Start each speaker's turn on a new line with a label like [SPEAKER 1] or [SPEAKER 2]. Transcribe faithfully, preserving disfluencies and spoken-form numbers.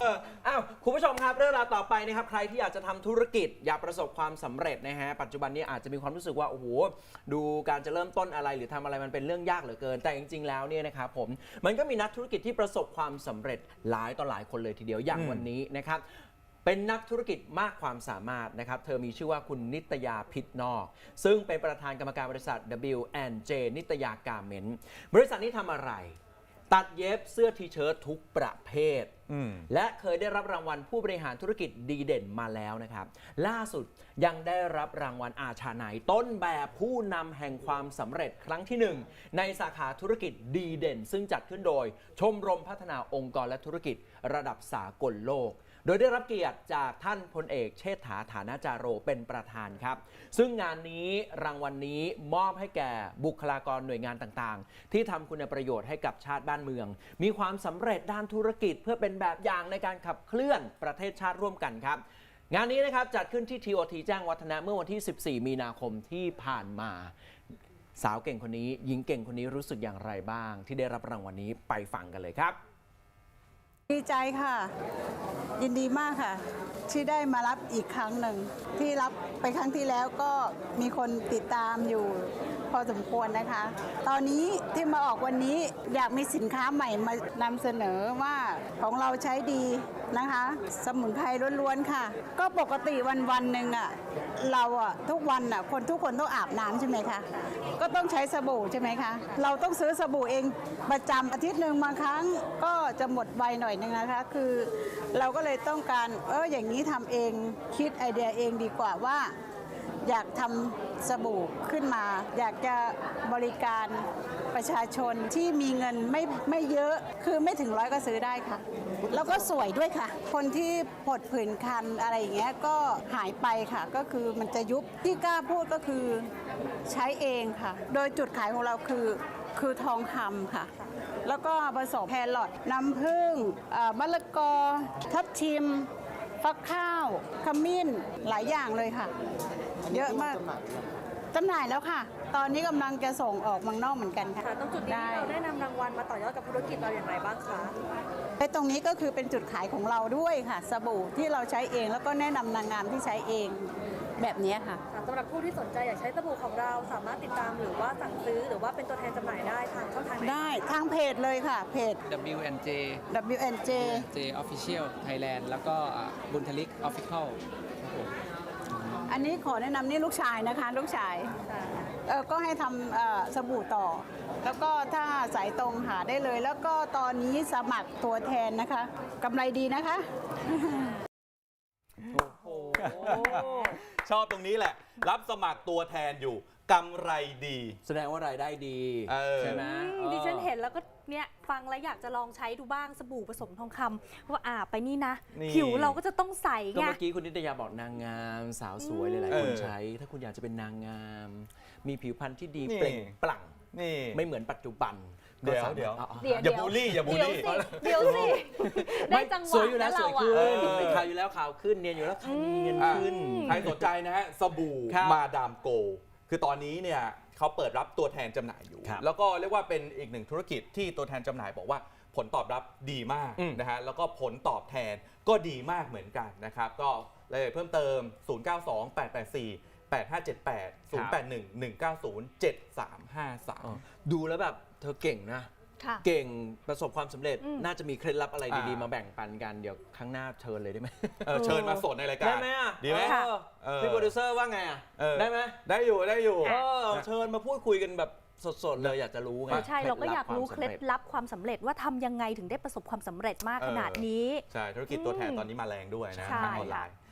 [SPEAKER 1] อ้าวคุณผู้ชมครับเรื่องราวต่อไปนะครับใครที่อยากจะทำธุรกิจอยากประสบความสำเร็จนะฮะปัจจุบันนี้อาจจะมีความรู้สึกว่าโอ้โหดูการจะเริ่มต้นอะไรหรือทำอะไรมันเป็นเรื่องยากเหลือเกินแต่จริงๆแล้วเนี่ยนะครับผมมันก็มีนักธุรกิจที่ประสบความสำเร็จหลายต่อหลายคนเลยทีเดียวอย่างวันนี้นะครับเป็นนักธุรกิจมากความสามารถนะครับเธอมีชื่อว่าคุณนิตยาพิษนอกซึ่งเป็นประธานกรรมการบริษัท ดับเบิลยู แอนด์ เจ นิตยาการ์เมนต์บริษัทนี้ทำอะไรตัดเย็บเสื้อทีเชิ้ตทุกประเภทและเคยได้รับรางวัลผู้บริหารธุรกิจดีเด่นมาแล้วนะครับล่าสุดยังได้รับรางวัลอาชาไนต้นแบบผู้นำแห่งความสำเร็จครั้งที่หนึ่งในสาขาธุรกิจดีเด่นซึ่งจัดขึ้นโดยชมรมพัฒนาองค์กรและธุรกิจระดับสากลโลกโดยได้รับเกียรติจากท่านพลเอกเชษฐาฐานะจาโรเป็นประธานครับซึ่งงานนี้รางวัล น, นี้มอบให้แก่บุคลากรหน่วยงานต่างๆที่ทำคุณประโยชน์ให้กับชาติบ้านเมืองมีความสำเร็จด้านธุรกิจเพื่อเป็นแบบอย่างในการขับเคลื่อนประเทศชาติร่วมกันครับงานนี้นะครับจัดขึ้นที่ ที โอ ที แจ้งวัฒนะเมื่อวันที่สิบสี่มีนาคมที่ผ่านมาสาวเก่งคนนี้หญิงเก่งคนนี้รู้สึกอย่างไรบ้างที่ได้รับรางวัล น, นี้ไปฟังกันเลยครับ
[SPEAKER 2] ดีใจค่ะยินดีมากค่ะที่ได้มารับอีกครั้งหนึ่งที่รับไปครั้งที่แล้วก็มีคนติดตามอยู่พอสมควรนะคะตอนนี้ที่มาออกวันนี้อยากมีสินค้าใหม่มานำเสนอว่าของเราใช้ดีนะคะสมุนไพรล้วนๆค่ะก็ปกติวันวันหนึ่งอ่ะเราอ่ะทุกวันอ่ะคนทุกคนต้องอาบน้ำใช่ไหมคะก็ต้องใช้สบู่ใช่ไหมคะเราต้องซื้อสบู่เองประจำอาทิตย์หนึ่งบางครั้งก็จะหมดไวหน่อยนึงนะคะคือเราก็เลยต้องการเอออย่างนี้ทำเองคิดไอเดียเองดีกว่าว่าอยากทำสบู่ขึ้นมาอยากจะบริการประชาชนที่มีเงินไม่ไม่เยอะคือไม่ถึงร้อยก็ซื้อได้ค่ะแล้วก็สวยด้วยค่ะคนที่ผดผื่นคันอะไรอย่างเงี้ยก็หายไปค่ะก็คือมันจะยุบที่กล้าพูดก็คือใช้เองค่ะโดยจุดขายของเราคือคือทองคำค่ะแล้วก็ผสมแครอทน้ำผึ้งมะละกอทับทิมฟักข้าวขมิ้นหลายอย่างเลยค่ะเยอะมากจำหน่ายแล้วค่ะตอนนี้กำลังจะส่งออกเมืองนอกเหมือนกันค่ะ
[SPEAKER 3] ตรงจุดนี้เราได้นำรางวัลมาต่อยอดกับธุรกิจเราอย่างไรบ้างคะ
[SPEAKER 2] ไอ้ตรงนี้ก็คือเป็นจุดขายของเราด้วยค่ะสบู่ที่เราใช้เองแล้วก็แนะนำนางงามที่ใช้เองแบบนี้ค่ะ
[SPEAKER 3] สำหรับผู้ที่สนใจอยากใช้สบู่ของเราสามารถติดตามหรือว่าสั่งซื้อหรือว่าเป็นตัวแทนจำหน่ายได้ทางช่องทางไหน
[SPEAKER 2] ได้ทางเพจเลยค่ะเพจ
[SPEAKER 4] ดับเบิลยู แอนด์ เจ
[SPEAKER 2] ดับเบิลยู แอนด์ เจ
[SPEAKER 4] เจ Official Thailand แล้วก็บุญทลิก Official ครับผม
[SPEAKER 2] อันนี้ขอแนะนำนี่ลูกชายนะคะลูกชายเออก็ให้ทำสบู่ต่อแล้วก็ถ้าสายตรงหาได้เลยแล้วก็ตอนนี้สมัครตัวแทนนะคะกำไรดีนะคะ
[SPEAKER 5] โอ้โหชอบตรงนี้แหละรับสมัครตัวแทนอยู่กำไรดี
[SPEAKER 1] แสดงว่ารายได้ดีใช่ไหม
[SPEAKER 3] ดิฉันเห็นแล้วก็เนี่ยฟังแล้วอยากจะลองใช้ดูบ้างสบู่ผสมทองคำว่าอาบไปนี่นะผิวเราก็จะต้องใสไง
[SPEAKER 1] ก็เมื่อกี้คุณนิตยาบอกนางงามสาวสวยหลายๆคนใช้ถ้าคุณอยากจะเป็นนางงามมีผิวพรรณที่ดีเปล่งปลั่งไม่เหมือนปัจจุบัน
[SPEAKER 5] เดี๋ยวเดี๋ยวอย่าบูลลี่อย่าบูลลี่
[SPEAKER 3] เดี๋ยวสิได้จังหวะ
[SPEAKER 1] สวยอยู่แล้วสวยขึ้นเป็นขาวอยู่แล้วขาวขึ้นเนียนอยู่แล้วเนียนขึ้น
[SPEAKER 5] ใครสนใจนะฮะสบู่มาดามโกคือตอนนี้เนี่ยเขาเปิดรับตัวแทนจำหน่ายอยู่แล้วก็เรียกว่าเป็นอีกหนึ่งธุรกิจที่ตัวแทนจำหน่ายบอกว่าผลตอบรับดีมากนะฮะแล้วก็ผลตอบแทนก็ดีมากเหมือนกันนะครับก็รายละเอียดเพิ่มเติมศูนย์ เก้า สอง แปด แปด สี่ แปด ห้า เจ็ด แปด ศูนย์ แปด หนึ่ง หนึ่ง เก้า ศูนย์ เจ็ด สาม ห้า สาม
[SPEAKER 1] ดูแล้วแบบเธอเก่งนะเก่งประสบความสำเร็จน่าจะมีเคล็ดลับอะไรดีๆมาแบ่งปันกันเดี๋ยวครั้งหน้าเชิญเลยได้ไหม
[SPEAKER 5] เชิญมาสดในรายการ
[SPEAKER 1] ได้ไหมอ่ะ
[SPEAKER 5] ดีไหม
[SPEAKER 1] พี่โปรดิวเซอร์ว่าไงอ่ะได้ไหม
[SPEAKER 5] ได้อยู่ได้อยู่
[SPEAKER 1] เชิญมาพูดคุยกันแบบสดๆเลยอยากจะรู้ไง
[SPEAKER 3] ใช่เราก็อยากรู้เคล็ดลับความสำเร็จว่าทำยังไงถึงได้ประสบความสำเร็จมากขนาดนี้
[SPEAKER 5] ใช่ธุรกิจตัวแทนตอนนี้มาแรงด้วยนะทางออนไลน์